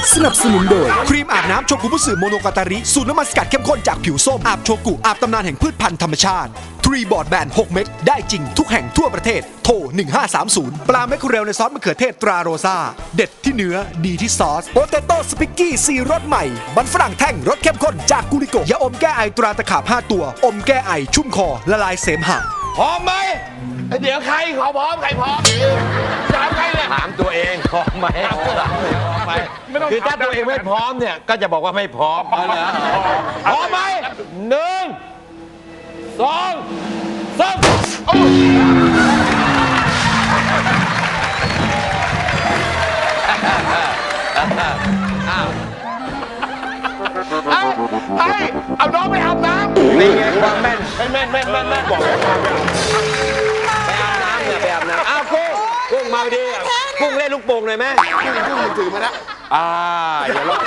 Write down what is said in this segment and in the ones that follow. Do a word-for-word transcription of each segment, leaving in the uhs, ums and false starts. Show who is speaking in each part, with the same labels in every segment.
Speaker 1: สนับสนุนโดยครีมอาบน้ำโชกุบุสึโมโนกาตาริสูตรน้ำมันสกัดเข้มข้นจากผิวส้มอาบโชกุอาบตำนานแห่งพืชพันธุ์ธรรมชาติทรีบอร์ดแบนหกเม็ดได้จริงทุกแห่งทั่วประเทศโทรหนึ่งห้าสามศูนย์ปลาแมคเคอเรลในซอสมะเขือเทศตราโรซาเด็ดที่เนื้อดีที่ซอสโปเตโต้สปิกกี้ซีรสใหม่มันฝรั่งแท่งรสเข้มข้นจากกุริโกยาอมแก้ไอตราตะขาบห้าตัวอมแก้ไอชุ่มคอละลายเสมหะ
Speaker 2: พร้อมไหมเดี๋ยวใครขอพร้อมใครพร้อมถามใครเลย
Speaker 3: ถามตัวเองพร้อมไหมคือถ้าตัวเองไม่พร้อมเนี่ยก็จะบอกว่าไม่พร้อมพร้อมไหมหนึ่งสองสาม
Speaker 2: ไอ้ไอ้เอาน้องไปอาบน้ำ
Speaker 3: นี่ไงความแม่น
Speaker 2: แม่นแม่นแม่นแม่นบอก
Speaker 3: ไปอาบน้ำเนี่ยไปอาบน้ำอ้าวกุ้งกุ้งมาดีกุ้งเล่นลูกโป่งเลยไหม
Speaker 2: กุ้งกุ้งถือมาแล้ว
Speaker 3: อ่าอย่าลอก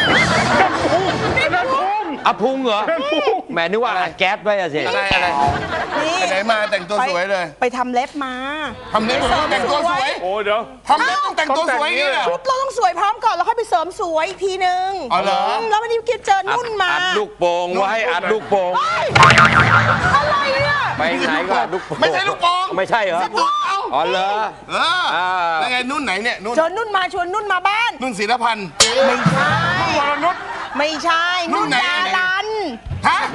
Speaker 3: อะพุงเหรอแหมนึกว่าแก๊สไว้อะสิ
Speaker 2: อะไรอะไรไหนมาแต่งตัวสวยเลย
Speaker 4: ไปทำเล็บมา
Speaker 2: ทำเล็บแต่งตัวสวย
Speaker 5: โอ้เดี๋ยว
Speaker 2: ทำเล็บต้องแต่งตัวสวยนี่แหละ
Speaker 4: เราต้องสวยพร้อมก่อนแล้วค่อยไปเสริมสวยอีกทีนึง
Speaker 2: อ๋อเหรอ
Speaker 4: แล้ววันนี้คิดเจอนุ่นมา
Speaker 3: อัดลูกโป่งไว้อัดลูกโป่ง
Speaker 4: อะไรเนี่ย
Speaker 3: ไปไหนก็อัดลูกโป่ง
Speaker 2: ไม่ใช่ลูกโป่ง
Speaker 3: ไม่ใช่เหรออ๋อเหรอ
Speaker 2: เออแล้วไงนุ่นไหนเนี่ยนุ่น
Speaker 4: เจอนุ่นมาชวนนุ่นมาบ้าน
Speaker 2: นุ่นศิลพันธ์
Speaker 4: ไม่ใช่
Speaker 2: วรนุช
Speaker 4: ไม่ใช่นุ่นดารัน
Speaker 2: ฮะ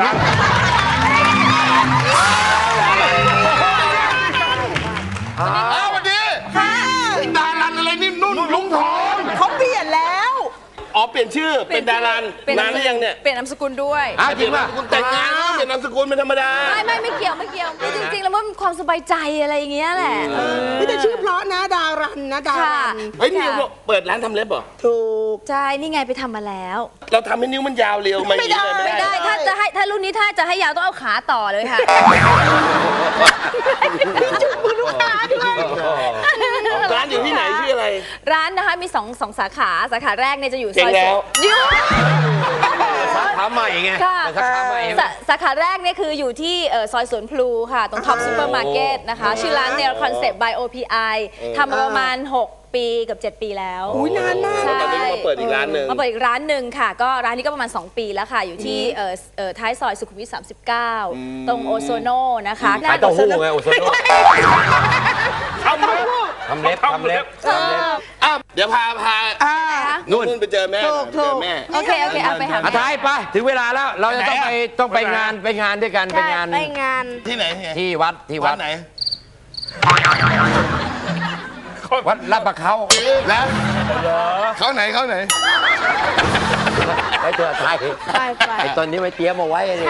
Speaker 2: อ้าววันนี้ดารันอะไรนี่นุ่นลุงทอง
Speaker 4: เขาเปลี่ยนแล้ว
Speaker 2: อ๋อเปลี่ยนชื่อเป็นดารันนานหรือยังเนี่ย
Speaker 6: เปลี่ยนนามสกุลด้วย
Speaker 3: อ้าวจริงป่ะ
Speaker 2: แต่งงานเปลี่ยนนามสกุลเป็นธรรมดา
Speaker 6: ไม่ไม่ไม่เกี่ยวไม่เกี่ยวจริงๆแล้วมันความสบายใจอะไรอย่างเงี้ยแหละ
Speaker 4: ไม่แต่ชื่อเพราะนะดารันนะดารัน
Speaker 2: เฮ้ยนี่เปิดร้านทำเล็บเหรอ
Speaker 4: ถูก
Speaker 6: ใช่นี่ไงไปทำมาแล้ว
Speaker 2: เราทำให้นิ้วมันยาวเร็ว
Speaker 6: ไม่ได้ไม่ได้ถ้าจะให้ถ้ารุ่นนี้ถ้าจะให้ยาวต้องเอาขาต่อเลยค่ะ
Speaker 4: จุดมือลูกค้าด้วย
Speaker 2: ร้านอยู่ที่ไหนชื่ออะไร
Speaker 6: ร้านนะคะมีสองสองสาขาสาขาแรกเนี่ยจะอยู่ซอย
Speaker 2: ยู
Speaker 3: สาขาใหม่ไง
Speaker 6: สาขาใหม่สาขาแรกเนี่ยคืออยู่ที่ซอยสวนพลูค่ะตรงท็อปซูเปอร์มาร์เก็ตนะคะชื่อร้านเนลคอนเซ็ปต์ by โอ พี ไอ ทำมาประมาณหกปีกับเจ็ดปีแล้ว
Speaker 4: อุ้ยนานมาก
Speaker 2: ตอนนี้มาเปิดอีกร้านหนึ่ง
Speaker 6: มาเปิดอีกร้านหนึ่งค่ะก็ร้านนี้ก็ประมาณสองปีแล้วค่ะอยู่ที่ท้ายซอยสุขุมวิทสามสิบเก้าตรงโอโซโนนะคะ
Speaker 3: ขายเต้าหู้ไงโอโซโน
Speaker 2: ทำเล็บ
Speaker 3: ทำเล็บทำเล็บ
Speaker 2: อ้าวเดี๋ยวพาพานุ่นไปเจอแม่เจอแม่
Speaker 6: โอเคโอเคเอาไปหา
Speaker 3: อาท้ายไปถึงเวลาแล้วเราจะต้องไปต้องไปงานไปงานด้วยกันไปงาน
Speaker 6: ไปงาน
Speaker 2: ที่ไหน
Speaker 3: ที่วัดที่วัด
Speaker 2: ไหน
Speaker 3: วัดลาดประเขา
Speaker 2: แล้วเขาไหนเขาไหน
Speaker 3: ไอ้ตัวไทยไอ้ตอนนี้ไม่เตรียมมาไว้เลย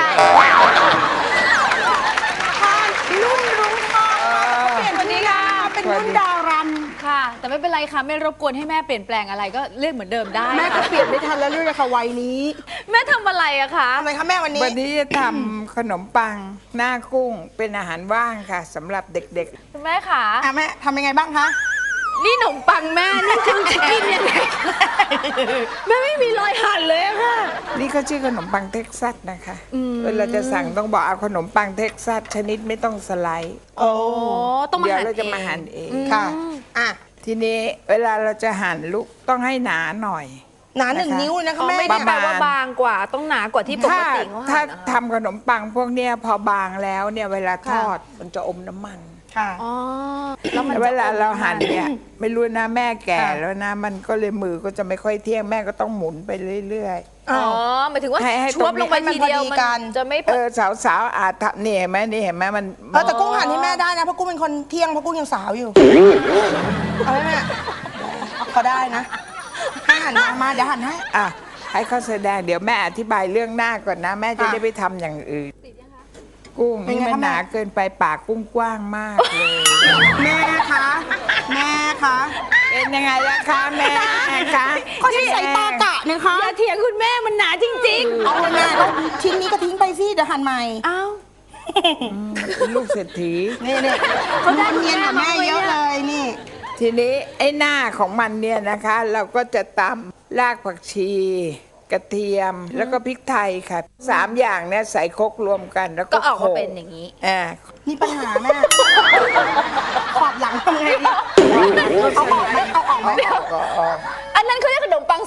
Speaker 4: นุ่นรุ้งทองเปลี่ยนวันนี้ค่ะเป็นนุ่นดารัน
Speaker 6: ค่ะแต่ไม่เป็นไรค่ะไม่รบกวนให้แม่เปลี่ยนแปลงอะไรก็เรียกเหมือนเดิมได้
Speaker 4: แม่ก็เปลี่ยนไม่ทันแล้วเรื่องค่ะวัยนี้
Speaker 6: แม่ทำอะไรอะคะ
Speaker 4: ทำไมคะแม่วันนี้
Speaker 7: วันนี้จะทำขนมปังหน้ากุ้งเป็นอาหารว่างค่ะสำหรับเด็ก
Speaker 6: ๆคุณแม่ค่ะ
Speaker 4: แม่ทำยังไงบ้างคะ
Speaker 6: นี่ขนมปังแม่นี่จะกินยังไงแม่ไม่มีรอยหั่นเลยค่ะ
Speaker 7: นี่เขาชื่อขนมปังเท็กซัสนะคะเวลาจะสั่งต้องบอกเอาขนมปังเท็กซัสชนิดไม่ต้องสไลด์
Speaker 6: โอ้ต้องมาหั่น
Speaker 7: เดี๋ยวเราจะมาหั่นเอง
Speaker 4: ค่ะอ่ะ
Speaker 7: ทีนี้เวลาเราจะหั่นลูกต้องให้หนาหน่อย
Speaker 4: หนาหนึ่งนิ้วนะคะแม่
Speaker 6: ไม่ได้แปลว่าบางกว่าต้องหนากว่าที่ปกติเขา
Speaker 7: ถ้าทำขนมปังพวกเนี้ยพอบางแล้วเนี่ยเวลาทอดมันจะอมน้ำมัน
Speaker 4: ค่ะอ๋อ
Speaker 7: แล้วเวลาเราหั่นเนี่ยไม่รู้นะแม่แก่แล้วนะมันก็เลยมือก็จะไม่ค่อยเที่ยงแม่ก็ต้องหมุนไปเรื่อย
Speaker 6: ๆอ๋อหมายถึงว่าช่วงลงไปทีเดียวมันจะไม่
Speaker 7: เออสาวๆอาจทำนี่เห็นไหมนี่เห็นไหมมัน
Speaker 4: เออแต่กุ้งหั่นให้แม่ได้นะเพราะกุ้งเป็นคนเที่ยงเพราะกุ้งยังสาวอยู่เอาไหมแม่เขาได้นะให้หั่นมามาเดี๋ยวหั่นให้
Speaker 7: อ่ะให้เขาแสดงเดี๋ยวแม่อธิบายเรื่องหน้าก่อนนะแม่จะได้ไปทำอย่างอื่นกุ้งนี่มันหนาเกินไปปากกุ้งกว้างมากเลย
Speaker 4: แม่คะแม่คะ
Speaker 7: เป็นยังไงล่ะคะแม่คะ
Speaker 4: ก็ใช้สายตากะนะคะ
Speaker 6: อย่าเถียงคุณแม่มันหนาจริงๆ
Speaker 4: เอาเลยแม่ชิ้นนี้ก็ทิ้งไปสิเดี๋ยวหั่นใหม่
Speaker 6: อ้าว
Speaker 7: ลูกเศรษฐี
Speaker 4: นี่นี่เขาได้เงินกับแม่เยอะเลยนี่
Speaker 7: ทีนี้ไอ้หน้าของมันเนี่ยนะคะเราก็จะตำรากผักชีกระเทียมแล้วก็พริกไทยค่ะสามอย่างเนี่ยใส่ครกรวมกันแล้วก็
Speaker 6: ออกมาเป็นอย่างนี้
Speaker 7: อ่า
Speaker 4: นี่ปัญหาแม่ขอบหลังทำไงดีเอาออกไหมเอาออกไหม
Speaker 6: อันนั้นเขาเรียกขนมปังส้นตึก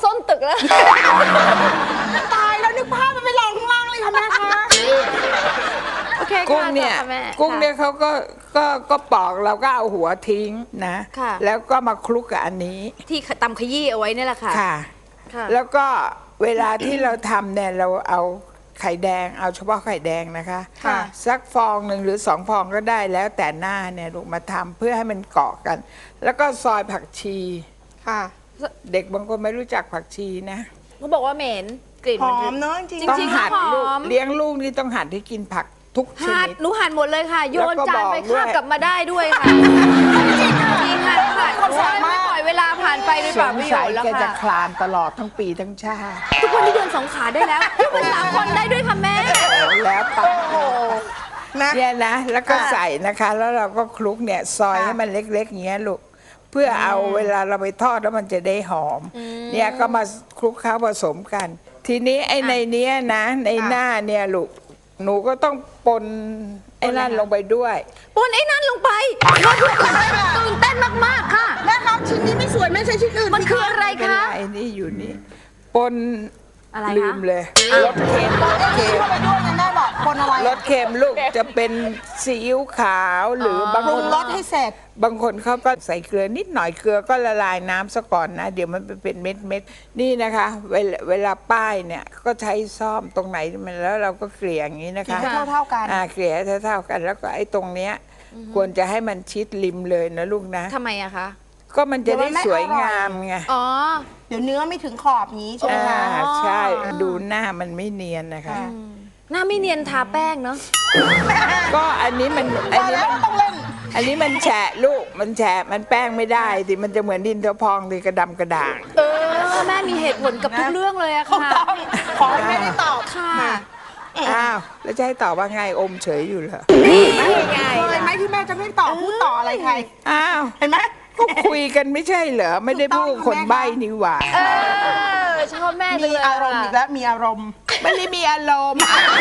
Speaker 6: แล้ว
Speaker 4: ตายแล้วนึกภาพมันไปลองข้างล่างเลยค่ะแม่คะ
Speaker 6: โอเค
Speaker 7: กุ้ง
Speaker 6: ค่ะ
Speaker 7: เนี่ย
Speaker 6: ต่อค่ะแม่
Speaker 7: กุ้งเนี่ยเขาก็ก็ก็ปอกเราก็เอาหัวทิ้งนะ
Speaker 6: ค่ะ
Speaker 7: แล้วก็มาคลุกกับอันนี้
Speaker 6: ที่ตำขยี้เอาไว้นี่แหละค่ะ
Speaker 7: ค่ะ
Speaker 6: ค่ะ
Speaker 7: แล้วก็เวลาที่เราทำเนี่ยเราเอาไข่แดงเอาเฉพาะไข่แดงนะคะ
Speaker 6: ค่ะ
Speaker 7: สักฟองหนึ่งหรือสองฟองก็ได้แล้วแต่หน้าเนี่ยลูกมาทำเพื่อให้มันเกาะกัน แล้วก็ซอยผักชี
Speaker 4: ค่ะ
Speaker 7: เด็กบางคนไม่รู้จักผักชีนะ
Speaker 6: เขาบอกว่าเหม็นกลิ่น
Speaker 4: ห
Speaker 6: มั
Speaker 4: อน มเนาะจริง
Speaker 6: จ
Speaker 7: ต้อง
Speaker 6: ริงๆ
Speaker 7: หัด
Speaker 6: ก็ห
Speaker 7: ลูก
Speaker 6: อม
Speaker 7: เลี้ยงลูกนี่ต้องหัดให้กินผักทุกช
Speaker 6: หัด
Speaker 7: นิด
Speaker 6: หนูหั่นหมดเลยค่ะ โยน
Speaker 7: แล้วก็
Speaker 6: จานไป
Speaker 7: บอกด้วย
Speaker 6: คาบกลับมาได้ด้วยค่ะจริงค่ะจริงค่ะค่ะโอ้ยไม่ปล่อยเวลาผ่านไปโดย
Speaker 7: ส
Speaker 6: เปล่าง ประโย
Speaker 7: สั
Speaker 6: ช
Speaker 7: ย
Speaker 6: น์แล้ว
Speaker 7: แกจะ
Speaker 6: ค่ะ
Speaker 7: คลานตลอดทั้งปีทั้งชาติ
Speaker 6: ทุกวันนี้เดินสองขาได้แล้วเป็นสามคนได้ด้วยค่ะแม่
Speaker 7: แล้วไป
Speaker 4: นะ
Speaker 7: เนี่ยนะแล้วก็ใส่นะคะ แล้วเราก็คลุกเนี่ยซอย
Speaker 4: ค่ะ
Speaker 7: ให้มันเล็กๆอย่างเงี้ยลูกเพื่อเอาเวลาเราไปทอดแล้วมันจะได้หอม เนี่ยก็มาคลุกเคล้าผสมกัน ทีนี้ไอ้ในเนี้ยนะในหน้าเนี่ยลูกหนูก็ต้องปนไอ้นั่นลงไปด้วย
Speaker 6: ปนไอ้นั่นลงไปตื่นเต้นมากๆค่ะ
Speaker 4: แม่ครับชิ้นนี้ไม่สวยแม่ใช้ชิ้นอื่น
Speaker 6: มันคืออะไร
Speaker 7: เป็น
Speaker 6: คะ
Speaker 7: ไรนี่อยู่นี่ปน
Speaker 6: อะไรคะ
Speaker 7: ลืมเลยรสเค็มรสเค็ม
Speaker 4: เข้าไปด้วยนะแม่บอกคนอะไร
Speaker 7: รสเค็มลูกจะเป็นซีอิ๊วขาวหรือบาง
Speaker 4: ปรุ
Speaker 7: ค
Speaker 4: ง
Speaker 7: น
Speaker 4: รสให้เสร็จ
Speaker 7: บางคนเขาก็ใส่เกลือนิดหน่อยเกลือก็ละลายน้ำซะก่อนนะ เดี๋ยวมันไปเป็นเม็ดเม็ดๆนี่นะคะ เวลาเวลาป้ายเนี่ยก็ใช้ซ่อมตรงไหนมันแล้วเราก็เกลี่ยอย่างนี้นะคะ
Speaker 4: เกลี่ยให้เท่าๆกัน
Speaker 7: อ่าเกลี่ยให้เท่าๆกัน แล้วก็ไอ้ตรงเนี้ยควรจะให้มันชิดริมเลยนะลูกนะ
Speaker 6: ทำไมอะคะ
Speaker 7: ก็มันจะได้
Speaker 4: เดี๋ยวมันไม่
Speaker 7: สวย
Speaker 4: อร่อย
Speaker 7: งามไง
Speaker 6: อ๋อ
Speaker 4: เดี๋ยวเนื้อไม่ถึงขอบนี้ใช่ไหม
Speaker 7: อ่า
Speaker 4: คะ
Speaker 7: ใช่ดูหน้ามันไม่เนียนนะคะ
Speaker 6: หน้าไม่เนียนทาแป้งเนาะ
Speaker 7: ก็อันนี้มันอัน
Speaker 4: ว่า
Speaker 7: นี้
Speaker 4: แล้ว
Speaker 7: มัน
Speaker 4: ต้องเล่น
Speaker 7: อันนี้มันแฉะลูกมันแฉะมันแป้งไม่ได้สิมันจะเหมือนดินเทาพองดิกระดำกระด่าง
Speaker 6: เออแม่มีเหตุผลกับทุกเรื่องเลยอะ
Speaker 4: ถูก
Speaker 6: ค่ะ
Speaker 4: ต้องขอให้ไม่ได้ตอบ
Speaker 6: ค่ะ
Speaker 7: อ้าวแล้วจะให้ตอบว่าไงอมเฉยอยู่เหรอ
Speaker 6: ไม่ไง
Speaker 4: เคยไหมที่แม่จะไม่ตอบพูดต่ออะไรใคร
Speaker 7: อ้าว
Speaker 4: เห็นไหม
Speaker 7: ก็คุยกันไม่ใช่เหรอไม่ได้พูดคนใบ้นี่หว่า
Speaker 6: เออชอบแม่จั
Speaker 4: มี
Speaker 6: งเลย
Speaker 4: อารมณ์อีกแล้วมีอารมณ์
Speaker 7: ไม่ได้มีอารมณ์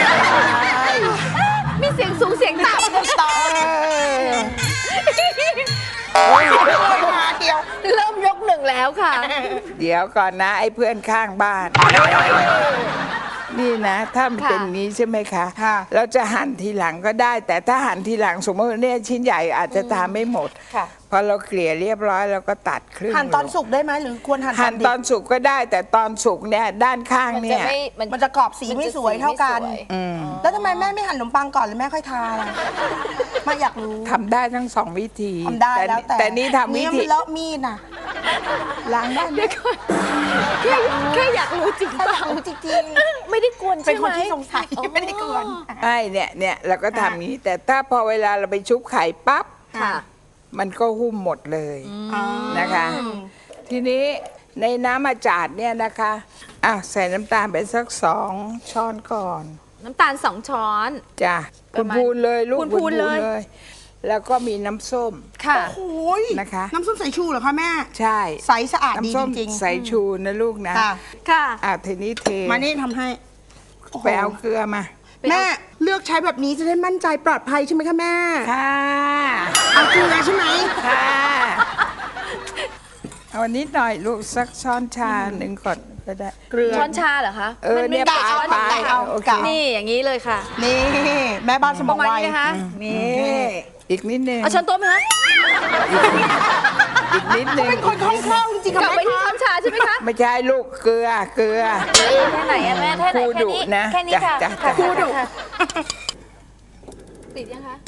Speaker 6: มีเสียงสูงเสียงต่ำ
Speaker 4: ต่อ
Speaker 7: เออ
Speaker 4: มาเดียว
Speaker 6: เริ่มยกหนึ่งแล้วค่ะ
Speaker 7: เดี๋ยวก่อนนะไอ้เพื่อนข้างบ้าน นี่นะ ถ้ามัน
Speaker 6: ค่ะ
Speaker 7: เป็นงี้ใช่ไหมคะ
Speaker 4: ค่ะ
Speaker 7: เราจะหั่นทีหลังก็ได้ แต่ถ้าหั่นทีหลังสมมติว่าเนี่ยชิ้นใหญ่อาจจะทานไม่หมด
Speaker 4: ค่ะ
Speaker 7: พอเราเกลี่ยเรียบร้อยเราก็ตัดครึ่ง
Speaker 4: หั่นตอน
Speaker 7: ลง
Speaker 4: สุกได้ไหมหรือควรหั่น
Speaker 7: หั่น
Speaker 4: ดิ
Speaker 7: ตอนสุกก็ได้ แต่ตอนสุกเนี่ยด้านข้าง
Speaker 6: มัน
Speaker 7: เนี่
Speaker 6: จะ
Speaker 7: ย
Speaker 6: ไม่
Speaker 4: มันจะกรอบสีไม่สวยเท่ากัน
Speaker 6: ไม่สวย
Speaker 4: แล้วทำไมแม่ไม่หั่นขนมปังก่อนหรือแม่ค่อยทาล่ะแม่อยากรู้
Speaker 7: ทำได้ทั้งสองวิธี
Speaker 4: ทำได้แล้วแต่
Speaker 7: แต่นี่ทำวิ
Speaker 4: เนื้อ
Speaker 7: ธี
Speaker 4: มันเลอะมีดน่ะ
Speaker 7: ล้างได้ไหม
Speaker 6: แค่แค่อยากรู้จริง
Speaker 4: ถ้า
Speaker 6: เป
Speaker 4: อ
Speaker 6: ล่าย
Speaker 4: ากรู้จริง
Speaker 6: ไม่ได้กวน
Speaker 4: ๆ
Speaker 6: ใช่
Speaker 4: เป็น
Speaker 6: ไหม
Speaker 4: คนที่สงสัยไม่ได้กวน
Speaker 7: ไอ้เนี่ยเนี่ยเราก็ทำอย่างนี้ แต่ถ้าพอเวลาเราไปชุบไข่ปั๊บ
Speaker 6: ค่ะ
Speaker 7: มันก็หุ้มหมดเลยนะคะ ทีนี้ในน้ำอาจาดเนี่ยนะคะอ่ะใส่น้ำตาลไปสักสองช้อนก่อน
Speaker 6: น้ำตาลสองช้อน
Speaker 7: จ้ะ
Speaker 6: ป
Speaker 7: คุ
Speaker 6: ระ
Speaker 7: ณ
Speaker 6: มาณ
Speaker 7: พูนเลยลูก
Speaker 6: พูนๆเลย
Speaker 7: แล้วก็มีน้ำส้ม
Speaker 6: ค่ะ
Speaker 4: โอ้ย
Speaker 7: นะคะ
Speaker 4: น้ำส้มสายชูเหรอคะแม่
Speaker 7: ใช่
Speaker 4: ใสสะอาดดี
Speaker 7: น้ำส้ม
Speaker 4: จริงๆ
Speaker 7: ใส่ชูนะลูกนะ
Speaker 4: ค่ะ
Speaker 6: ค่ะ
Speaker 7: อ่ะทีนี้เท
Speaker 4: มานี่ทำให้โอ้โห
Speaker 7: ไปเอาเกลือมา
Speaker 4: แม่เลือกใช้แบบนี้จะได้มั่นใจปลอดภัยใช่ไหมคะแม่
Speaker 7: ค่ะ
Speaker 4: เอาเกลือใช่ไหม
Speaker 7: ค่ะเอานิดหน่อยลูกสักช้อนชาหนึ่งก่อนก็ได้
Speaker 4: เกลือ
Speaker 6: ช้อนชาเหรอคะ
Speaker 7: เออ
Speaker 6: มัมี
Speaker 7: เนี่ย
Speaker 6: กี่ช้อน
Speaker 7: ปลาย
Speaker 6: เอา
Speaker 7: โอเค
Speaker 6: นี่อย่างนี้เลยค่ะ
Speaker 4: นี่แม่บ้านสม
Speaker 6: ป
Speaker 4: อง
Speaker 6: ระมาณ
Speaker 4: ไว
Speaker 6: นี้นะคะ
Speaker 7: นี่อีกนิดนึง
Speaker 6: เอาช้อนโต๊ะไหมคะ
Speaker 7: อีกนิดนึง
Speaker 4: เป็นคนคล่องแคล่วจริงๆ
Speaker 6: กลั
Speaker 4: ค่ะ
Speaker 6: บไป
Speaker 4: แม่
Speaker 6: ที่ช้
Speaker 4: คะ
Speaker 6: อนชาใช่ไหมคะ
Speaker 7: ไม่ใช่ลูกเกลือเกลือ
Speaker 6: แค่ไหนอะแม่แค่ไหน
Speaker 7: ครู
Speaker 6: แค่
Speaker 7: ดุ
Speaker 6: นี้
Speaker 7: นะ
Speaker 6: แค่นี้ค่ะ
Speaker 7: จ้ะ
Speaker 6: ค่ะ
Speaker 7: จ้ะ
Speaker 6: ครูดุติดยังคะ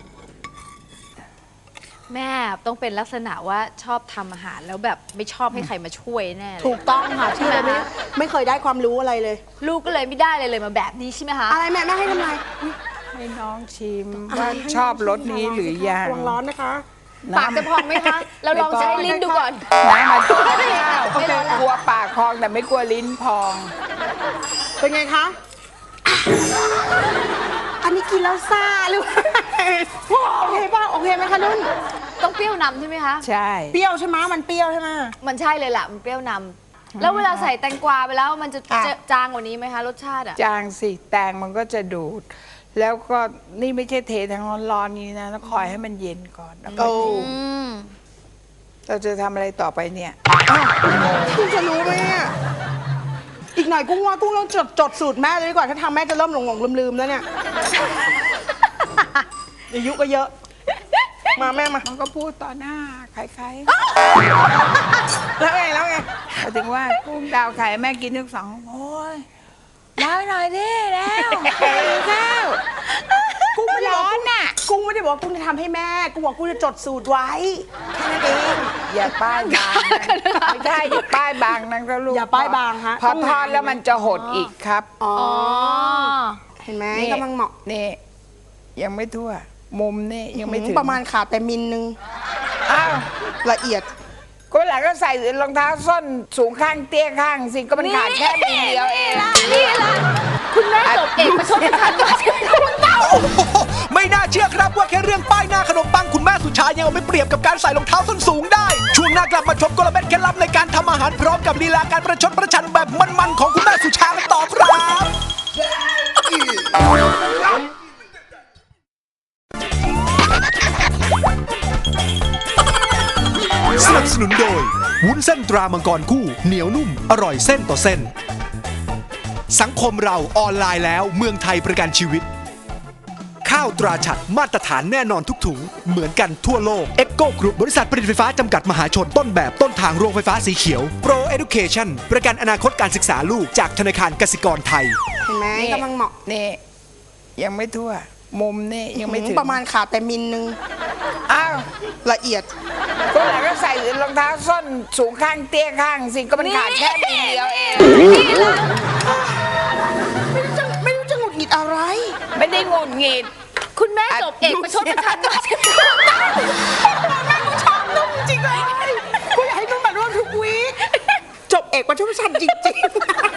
Speaker 6: แม่ต้องเป็นลักษณะว่าชอบทำอาหารแล้วแบบไม่ชอบให้ใครมาช่วยแน่เลย
Speaker 4: ถูกต้องค่ะที่เราไม่ไม่เคยได้ความรู้อะไรเลย
Speaker 6: ลูกก็เลยไม่ได้เลยเลยมาแบบนี้ใช่ไหมคะ
Speaker 4: อะไรแม่แม่ให้ทำไม
Speaker 7: ให้น้องชิมว่าชอบรสนี้หรือยัง
Speaker 4: ระวังร้อนนะคะ
Speaker 6: ปากจะพองไหมคะ เราลองใช้ลิ้นดูก่อน
Speaker 7: น้ำมัน
Speaker 6: ไม่ร้อนแล้ว
Speaker 7: กลัวปากพองแต่ไม่กลัวลิ้นพอง
Speaker 4: เป็นไงคะ อันนี้กินแล้วซ่าหรือโอเคป่ะโอเคไหมคะนุ่น
Speaker 6: ต้องเปรี้ยวนำใช่ไหมคะ
Speaker 7: ใช่
Speaker 4: เปรี้ยวใช่ไหมมันเปรี้ยวใช่ไหม
Speaker 6: มันใช่เลยล่ะมันเปรี้ยวนำแล้วเวลาใส่แตงกวาไปแล้วมันจะ
Speaker 4: อ่ะ
Speaker 6: จะจางกว่านี้ไหมคะรสชาติอ่ะ
Speaker 7: จางสิแตงมันก็จะดูด แล้วก็นี่ไม่ใช่เททั้งร้อนๆนี้นะแล้วคอยให้มันเย็นก่อนแล้วก็
Speaker 4: โอ้
Speaker 6: อืม
Speaker 7: เราจะทำอะไรต่อไปเนี่ย
Speaker 4: คุณจะรู้ไหมอะกหน่อยกุ้งว่ากุ้งต้องจดจดสูตรแม่เลยดีกว่าถ้าทำแม่จะเริ่มหลงหลงลืมลืมๆแล้วเนี่ยอายุก็เยอะ มาแม่มา
Speaker 7: มันก็พูดต่อหน้าใคร
Speaker 4: แล้วไงแล้วไง
Speaker 7: ๆหมายถึงว่ากุ้งดาวไข่แม่กินทั้งสองโอ้ยดาวหน่อยดิแล้วข้าว
Speaker 4: กุ้งไม่ได้บอก
Speaker 7: ร้อน
Speaker 4: กุ้ง
Speaker 7: น่ะ
Speaker 4: กุ้งไม่ได้บอกว่ากุ้งจะทำให้แม่กุ้งบอกกุ้งจะจดสูตรไว้แค่นั้นเอง
Speaker 7: อย่าป้ายบางนะไม่ใช่อย่าป้ายบางนั่นก็ลูก
Speaker 4: อย่าป้ายบางฮะ
Speaker 7: พอ
Speaker 4: ต้อง
Speaker 7: ทอดแล้วมันจะหดอีกครับ
Speaker 4: อ๋อ
Speaker 6: อ๋อ
Speaker 4: เห็นไหม
Speaker 7: นี่
Speaker 4: กำลังเหมาะ
Speaker 7: นี่ยังไม่ทั่ว มุมนี่ยังไม่ถึง
Speaker 4: ประมาณขาดไปมิลนึง
Speaker 7: อ้าว
Speaker 4: ละเอียด
Speaker 7: ก็หลังก็ใส่รองเท้าส้นสูงข้างเตี้ยข้างสิก็มันขาดแค่มิลเดียวเอง
Speaker 6: นี่ละคุณแม่จบเอกประชดประชันมาคุณเต้า
Speaker 1: โอ้โหไม่น่าเชื่อครับว่าแค่เรื่องป้ายหน้าขนมปังคุณแม่สุชายังเอาไม่เปรียบกับการใส่รองเท้าส้นสูงได้ ช่วงหน้ากลับมาชมกลเม็ดเคล็ดลับในการทำอาหารพร้อมกับลีลาการประชดประชันแบบมันๆของคุณแม่สุชากันต่อครับสนับสนุนโดยวุ้นเส้นตรามังกรคู่เหนียวนุ่มอร่อยเส้นต่อเส้น สังคมเราออนไลน์แล้วเมืองไทยประกันชีวิต ข้าวตราฉัตรมาตรฐานแน่นอนทุกถุง เหมือนกันทั่วโลก Echo Group บริษัทผลิตไฟฟ้าจำกัดมหาชนต้นแบบต้นทางโรงไฟฟ้าสีเขียว Pro Education ประกันอนาคตการศึกษาลูกจากธนาคารกสิกรไทย
Speaker 4: เห็นไหม
Speaker 7: นี่
Speaker 4: กำลังเหมาะ
Speaker 7: นี่ยังไม่ทั่ว มุมนี่ยังไม่ถึง
Speaker 4: ประมาณขาดไปมิลนึง
Speaker 7: อ้าว
Speaker 4: ละเอียด
Speaker 7: ก็หลังก็ใส่รองเท้าส้นสูงข้างเตี้ยข้างสิก็มันขาดแค่มิลเดียวเอง
Speaker 4: ไม่รู้จะไม่รู้จะหงุดหงิดอะไร
Speaker 7: ไม่ได้งุดหงิด
Speaker 6: คุณแม่จบเอกประชดประชันมา
Speaker 4: ชอบนุ่มจริงเลยกูอยากให้นุ่มมาร่วมทุกวีคจบเอกประชุมชันจริง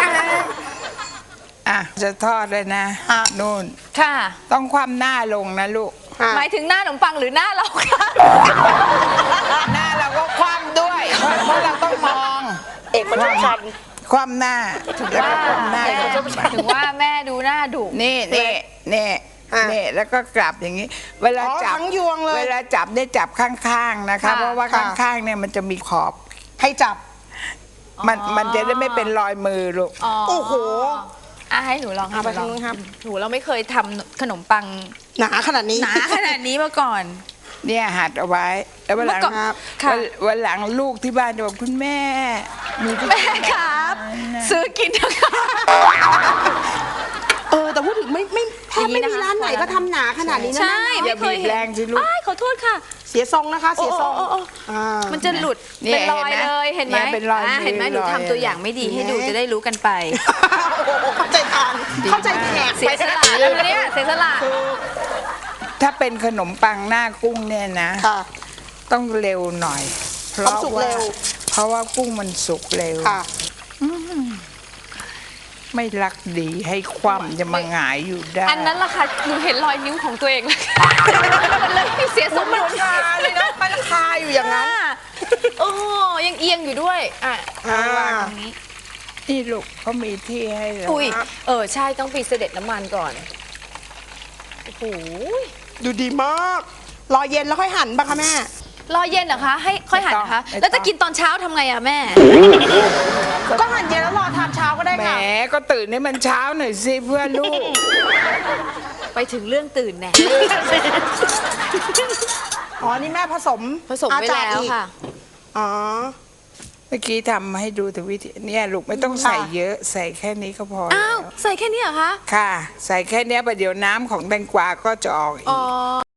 Speaker 7: อ่ะจะทอดเลยนะนู่น
Speaker 6: ค่ะ
Speaker 7: ต้องคว่ำหน้าลงนะลูก
Speaker 4: ๆ
Speaker 6: หมายถึงหน้าขนมปังหรือหน้าเราคะ
Speaker 7: หน้าเราก็คว่ำด้วย เพราะเพราะเราต้องมอง
Speaker 4: เอกประชุมชัน
Speaker 7: คว่ำหน้าแล้วก็คว่ำหน้า
Speaker 6: เอกประชดประชันถึงว่าแม่ดูหน้าดุ
Speaker 7: นี่นี่นี่
Speaker 4: อ่ะ
Speaker 7: นี่แล้วก็กลับอย่างนี้ เวลา
Speaker 4: อ๋อ
Speaker 7: จับ
Speaker 4: ทั้งยวงเลย
Speaker 7: เวลาจับเนี่ยจับข้างๆนะคะ
Speaker 6: ค่ะ
Speaker 7: เพราะว่า
Speaker 4: ค่ะ
Speaker 7: ข้างๆเนี่ยมันจะมีขอบ
Speaker 4: ให้จับ
Speaker 7: มันมันจะได้ไม่เป็นรอยมือลูก
Speaker 4: โอ้โห
Speaker 6: อ่ะให้หนูลอง
Speaker 4: เอาไป
Speaker 6: ให้ห
Speaker 4: ทางนู้นครับ
Speaker 6: หนูเราไม่เคยทำขนมปัง
Speaker 4: หนาขนาดนี้
Speaker 6: หนาขนาดนี้มาก่อน
Speaker 7: เนี่ยหัดเอาไว้ แล้ววันหลัง
Speaker 6: เมื่อก่อน
Speaker 4: ครับ
Speaker 6: ค่ะ
Speaker 7: วันวันหลังลูกที่บ้านจะบอกคุณแม่หนูจะ
Speaker 6: แม่ครับ ซื้อกินเถอะค่ะ
Speaker 4: เออแต่พูดถึงไม่ไม่แทบไม่มีร้านไหนก็ทำหนาขนาดนี้นะ
Speaker 6: ใช่
Speaker 4: แม่
Speaker 7: อย่า
Speaker 6: ไม่เค
Speaker 7: บี
Speaker 6: ย
Speaker 7: บ
Speaker 6: เห็น
Speaker 7: แรงสิลูก
Speaker 6: อ้ายขอโทษค่ะ
Speaker 4: เสียทรงนะคะ เสียทรง
Speaker 6: โอ้โอ้โอ้
Speaker 4: อ่า
Speaker 6: มันจะหลุด
Speaker 7: นี่
Speaker 6: เป็นรอย
Speaker 7: เห็นไหม
Speaker 6: เลยเห็นไหม
Speaker 7: เนี่ยเป็นรอย
Speaker 6: อ่ะ
Speaker 7: มือ
Speaker 6: เห็นไหมหนู
Speaker 7: รอย
Speaker 6: ทำตัวอย่างไม่ดีให้ดู
Speaker 4: เห็นไหม
Speaker 6: จะได้รู้กันไป
Speaker 4: โอ้โหเข้าใจทางเข้าใจแขก
Speaker 6: เสียสละแล้วนะเนี่ยเสียสละ
Speaker 7: ถ้าเป็นขนมปังหน้ากุ้งเนี่ยนะ
Speaker 4: ค่ะ
Speaker 7: ต้องเร็วหน่อย เพ
Speaker 4: ต้อง
Speaker 7: ราะ
Speaker 4: สุก
Speaker 7: ว่า
Speaker 4: เร็ว
Speaker 7: เพราะว่ากุ้งมันสุกเร็ว
Speaker 4: ค่ะ
Speaker 7: ไม่รักดีให้คว่ำจะมาหงายอยู่ได้
Speaker 6: อันนั้นล่ะค่ะหนูเห็นรอยนิ้วของตัวเองเลยมันเลยเสียสมดุล
Speaker 4: คาเลยนะมันคาอยู่อย่างนั้น
Speaker 6: โอ้ยังเอียงอยู่ด้วยอ่ะ
Speaker 4: อ่า
Speaker 6: วางตรงนี้
Speaker 7: นี่ลูกเขามีที่ให้เรา
Speaker 6: อุ้ยเออใช่ต้องปีเสด็จน้ำมันก่อนโอ้โห
Speaker 4: ดูดีมาก รอเย็นแล้วค่อยหั่นป่ะคะแม่
Speaker 6: รอเย็นเหรอคะให้ค่อยหั่นนะคะ แล้วจะกินตอนเช้าทำไงอะแม่
Speaker 4: ก็หั่นเย็นแล้วรอทานเช้าก็ได้
Speaker 7: แหม
Speaker 4: ค่ะ
Speaker 7: ก็ตื่นให้มันเช้าหน่อยสิเพื่อลูก
Speaker 6: ไปถึงเรื่องตื่นแน่
Speaker 4: อ๋อ นี่แม่ผสม
Speaker 6: ผสมไว้
Speaker 4: อาจารย์
Speaker 6: แล้ว
Speaker 4: อีก
Speaker 6: ค่ะ
Speaker 4: อ๋อ
Speaker 7: เมื่อกี้ทำให้ดูแต่วิธีเนี่ยลูกไม่ต้องใส่เยอะใส่แค่นี้ก็พอ
Speaker 6: อ้าว
Speaker 7: แล้ว
Speaker 6: ใส่แค่นี้เหรอคะ
Speaker 7: ค่ะ ใส่แค่เนี้ยประเดี๋ยวน้ำของแตงกวาก็จะออกอี
Speaker 6: อ๋
Speaker 7: ก
Speaker 6: อ